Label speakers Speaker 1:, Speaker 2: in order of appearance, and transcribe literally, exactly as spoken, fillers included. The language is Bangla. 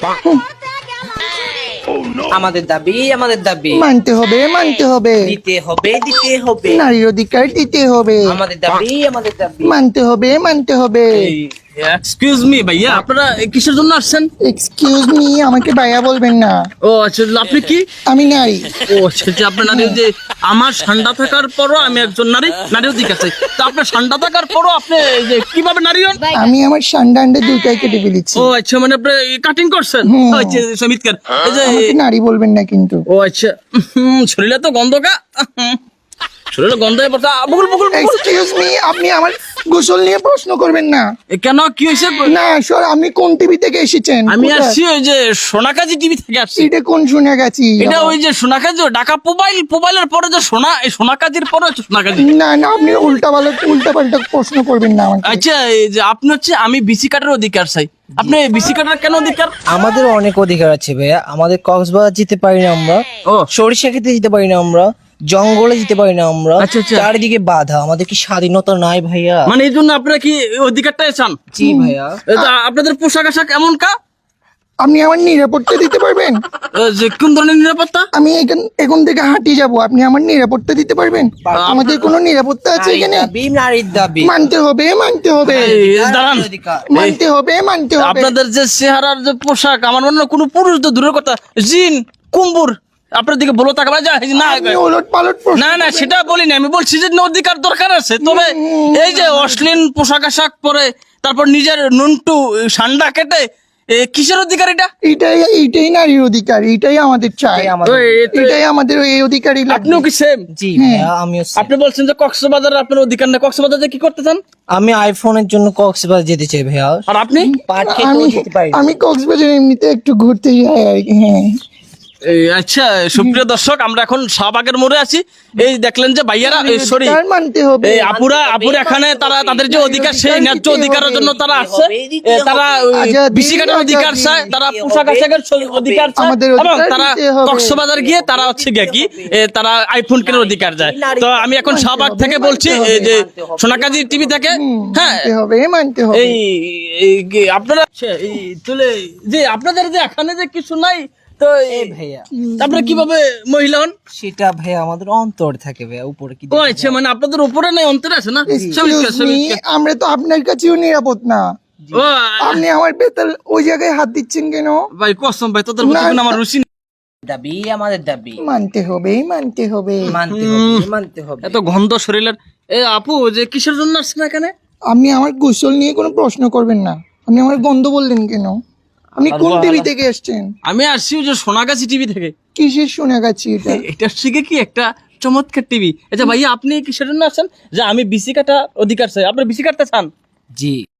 Speaker 1: আমাদের দাবি আমাদের দাবি
Speaker 2: মানতে হবে মানতে হবে
Speaker 1: দিতে হবে দিতে হবে
Speaker 2: নারীর অধিকার দিতে হবে
Speaker 1: আমাদের দাবি আমাদের দাবি
Speaker 2: মানতে হবে মানতে হবে
Speaker 3: এক্সকিউজ মি ভাইয়া আপনারা কিসের জন্য আসছেন?
Speaker 2: এক্সকিউজ মি আমাকে ভাইয়া বলবেন না,
Speaker 3: ও আচ্ছা, আপনি কি?
Speaker 2: আমি নারী।
Speaker 3: ও আচ্ছা আচ্ছা, আপনার নারী যে আমার ঠান্ডা থাকার পরও আমি একজন নারী, নারী অধিকার চাই। তা আপনার ঠান্ডা থাকার পরও আপনি এই যে কিভাবে নারী হন?
Speaker 2: আমি আমার সান্ডা আন্ডা দুইটাই কেটে ফেলেছি।
Speaker 3: ও আচ্ছা, মানে আপনি কাটিং করছেন?
Speaker 2: হুম।
Speaker 3: ও আচ্ছা, চমৎকার। এই যে
Speaker 2: আমাকে নারী বলবেন না কিন্তু।
Speaker 3: ও আচ্ছা, হুম, শরীরে তো গন্ধ কা শরীরে গন্ধ হয়ে পড়ছে। আ, বকুল বকুল বকুল।
Speaker 2: এক্সকিউজ মি আপনি আমার গোসল নিয়ে প্রশ্ন করবেন না।
Speaker 3: এ, কেন কি হয়েছে?
Speaker 2: না সর, আপনি কোন টিভি থেকে এসেছেন?
Speaker 3: আমি
Speaker 2: কোথায়?
Speaker 3: আসছি ওই যে সোনাকাজি টিভি থেকে আসছি।
Speaker 2: এটা কোন শুনে গেছি?
Speaker 3: এটা ওই যে সোনাকাজি, ঢাকা মোবাইল মোবাইলের পরে যে সোনা, এই সোনাকাজির পরে হচ্ছে সোনাকাজি।
Speaker 2: না না আপনি উল্টা পাল্টা উল্টা পাল্টা প্রশ্ন করবেন না আমাকে।
Speaker 3: আচ্ছা, এই যে আপনি হচ্ছে আমি বিসি কাটার অধিকার চাই। আপনি বিসি কাটার কেন অধিকার?
Speaker 1: আমাদের অনেক অধিকার আছে ভাইয়া। আমাদের কক্সবাজার যেতে পারি না আমরা,
Speaker 3: ও
Speaker 1: সরিষা খেতে যেতে পারি না আমরা, জঙ্গলে যেতে পারি না আমরা,
Speaker 3: আচ্ছা, আচ্ছা।
Speaker 1: চারিদিকে বাধা। আমাদের কি স্বাধীনতা নাই ভাইয়া?
Speaker 3: মানে এই জন্য আপনারা কি অধিকারটা চান?
Speaker 1: জি ভাইয়া।
Speaker 3: এ তো আপনাদের পোশাক আশাক এমন কা?
Speaker 2: আপনি আমার নিরাপত্তা দিতে পারবেন?
Speaker 3: এ যে কোন ধরনের নিরাপত্তা?
Speaker 2: আমি এখান এখন থেকে হাঁটি যাব, আপনি আমার নিরাপত্তা দিতে পারবেন? আমাদের কোনো নিরাপত্তা আছে
Speaker 1: নারীর
Speaker 2: এখানে?
Speaker 1: দাবি নারীর দাবি
Speaker 2: মানতে হবে মানতে হবে
Speaker 3: এই, দাঁড়ান।
Speaker 1: অধিকার।
Speaker 2: মানতে হবে মানতে হবে।
Speaker 3: আপনাদের যে চেহারার যে পোশাক, আমার মনে হয় কোনো পুরুষ তো দূরের কথা, জিন কুম্বুর আপনার দিকে বলো তাকে যা না
Speaker 2: আপনি ওলট পালট প্রশ্ন
Speaker 3: না না
Speaker 2: করবেন
Speaker 3: সেটা বলিনি, আমি বলছি যে অধিকার দরকার আছে। তবে এই যে অশ্লীল পোশাক আশাক পরে তারপর নিজের নুনটু সান্ডা কেটে, এ, কিসের অধিকার এটা?
Speaker 2: এটাই এইটাই নারীর অধিকার, এটাই আমাদের চাই।
Speaker 1: এটাই আমাদের
Speaker 3: ওই, এ তো-
Speaker 2: এটাই আমাদের এই অধিকারই লাগবে।
Speaker 3: আপনিও কি সেম?
Speaker 1: জি ভাইয়া, আমিও same।
Speaker 3: আপনি বলছেন যে কক্সবাজার আপনার অধিকার না, কক্সবাজারে কি করতে চান?
Speaker 1: আমি আইফোনের জন্য কক্সবাজার যেতে চাই ভাইয়া।
Speaker 3: আর আপনি?
Speaker 1: পাট খেতেও
Speaker 2: আমি
Speaker 1: যেতে পারি না।
Speaker 2: আমি কক্সবাজার এমনিতে একটু ঘুরতে যাই আর কি। হ্যাঁ
Speaker 3: এই, আচ্ছা সুপ্রিয় দর্শক, আমরা এখন শাহবাগের মোড়ে আছি। এই দেখলেন যে ভাইয়ারা, সরি
Speaker 2: অধিকার মানতে হবে।
Speaker 3: এই আপুরা আপুরা এখানে তারা তাদের যে অধিকার, সেই ন্যায্য অধিকারের জন্য তারা আসছে। এ, তারা
Speaker 2: আজাদি,
Speaker 3: বিসি কাটার অধিকার
Speaker 2: আজাদি।
Speaker 3: চায়, তারা পোশাক আশাকের অধিকার চায়,
Speaker 2: আমাদের
Speaker 3: এবং
Speaker 2: অধিকার
Speaker 3: তারা
Speaker 2: দিতে হবে।
Speaker 3: কক্সবাজার গিয়ে তারা হচ্ছে গিয়ে কি এ, তারা আইফোন কেনার অধিকার যায়। তো আমি এখন শাহবাগ থেকে বলছি, এই যে সোনাকাজি টিভি থেকে। হ্যাঁ,
Speaker 2: মানতে হবে মানতে হবে।
Speaker 3: এই এই কি আপনারা এই তুলে যে আপনাদের যে এখানে যে কিছু নাই, তো
Speaker 1: এই ভাইয়া,
Speaker 3: আপনারা কিভাবে মহিলা হন?
Speaker 1: সেটা ভাইয়া আমাদের অন্তর থাকে ভাইয়া, উপরে কি
Speaker 3: ও আচ্ছা, মানে আপনাদের উপরে নাই অন্তরে আছে না?
Speaker 2: Excuse me, আমরা তো আপনার কাছেও নিরাপদ না।
Speaker 3: ও
Speaker 2: আপনি আমার বেতাল ওই জায়গায় হাত দিচ্ছেন কেন?
Speaker 3: ভাই কসম ভাই, তোদের প্রতি
Speaker 2: না,
Speaker 3: কোনো আমার রুচি নেই।
Speaker 1: দাবি আমাদের দাবি
Speaker 2: মানতে হবে মানতে হবে।
Speaker 1: মানতে হবে মানতে হবে।
Speaker 3: এত গন্ধ শরীরের। এ আপু, যে কিসের জন্য আসছেন এখানে?
Speaker 2: আপনি আমার গোসল নিয়ে কোনো প্রশ্ন করবেন না। আপনি আমার গন্ধ বললেন কেন? আপনি কোন টিভি থেকে এসেছেন?
Speaker 3: আমি আসছি ওই যে সোনাগাছি টিভি থেকে।
Speaker 2: কিসের শোনা গেছি এটা?
Speaker 3: এটা শিখে কি একটা চমৎকার টিভি। আচ্ছা ভাইয়া, আপনি কিসের জন্য আসছেন? যে আমি বিসি কাটা অধিকার চাই। আপনি বিসি কাটতে চান?
Speaker 1: জি।